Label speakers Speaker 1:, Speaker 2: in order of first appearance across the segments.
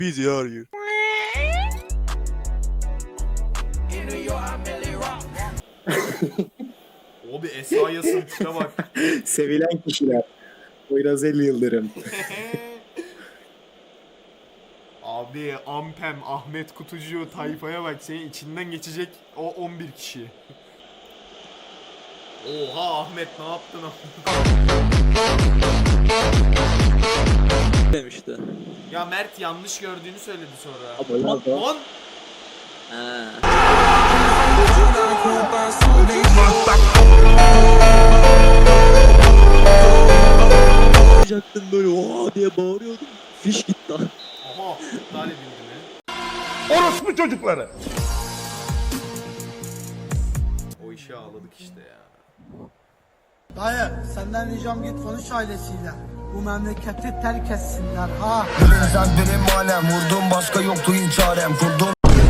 Speaker 1: Busy are you?
Speaker 2: Abi Esra'yasın tipe bak.
Speaker 3: Sevilen kişiler. Poyraz El Yıldırım.
Speaker 2: Abi Ampem, Ahmet Kutucu tayfaya bak, senin içinden geçecek o 11 kişi. Oha Ahmet, ne yaptın?
Speaker 1: Demişti.
Speaker 2: Ya Mert yanlış gördüğünü söyledi sonra.
Speaker 3: Ama
Speaker 2: Lan,
Speaker 3: lan.
Speaker 2: lan!
Speaker 1: Yapacaktım böyle oha diye bağırıyordum. Fiş gitti lan.
Speaker 2: Aha, iptal edildi mi?
Speaker 4: Orospu çocukları.
Speaker 2: O işe ağladık işte ya.
Speaker 5: Dayı senden ricam git konuş ailesiyle. Bu memleketi terk etsinler ha.
Speaker 6: Sen benim alem vurdum başka yoktu hiç çarem kurdum.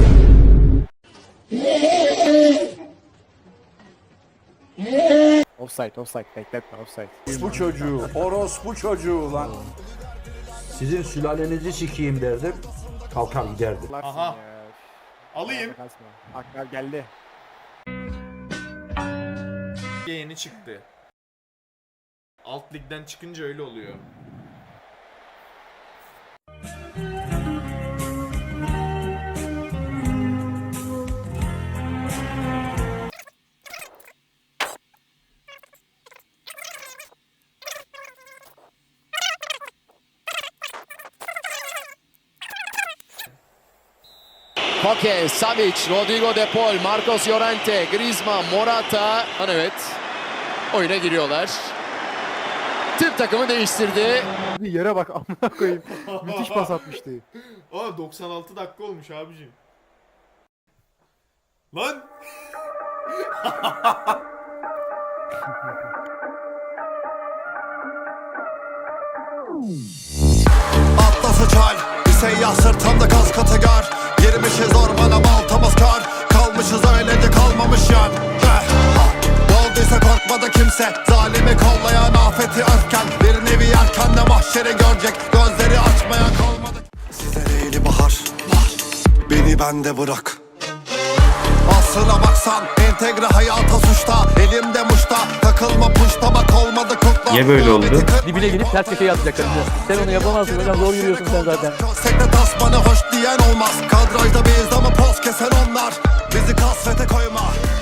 Speaker 3: Offside bekletme offside.
Speaker 4: Bu çocuğu, orospu çocuğu lan. Sizin sülalenizi sikeyim derdim. Kalkar giderdim.
Speaker 2: Aha. Alayım.
Speaker 3: Aklar geldi.
Speaker 2: Yeni çıktı. Alt ligden çıkınca öyle oluyor.
Speaker 7: Koke, Savic, Rodrigo De Paul, Marcos Llorente, Griezmann, Morata. Evet, oyuna giriyorlar. Tüm takımı değiştirdi.
Speaker 3: Yere bak amına koyayım. Müthiş pas atmıştı.
Speaker 2: Aa 96 dakika olmuş abicim. Lan!
Speaker 6: Atlası çal bir seyyah sırtımda kas katı gar. Girmişiz ormana baltamız kar. Kalmışız öylece kalmamış yan. Olduysa korkmadı kimse. Zalimi kollayan afeti örken. Bir nevi erken mahşeri görecek. Gözleri açmaya kalmadı. Size eğli bahar. Beni bende bırak. Aslına baksan entegre hayata suçta. Elimde muşta takılma puşta bak olmadı kutla.
Speaker 8: Niye böyle oldu?
Speaker 9: Dibine girip ters köşeye atacak. Sen onu yapamazsın hocam, zor yürüyorsun sen zaten.
Speaker 6: Sekte tasmanı hoş diyen olmaz. Kadrajda biz ama poz kesen onlar. Bizi kasvete koyma.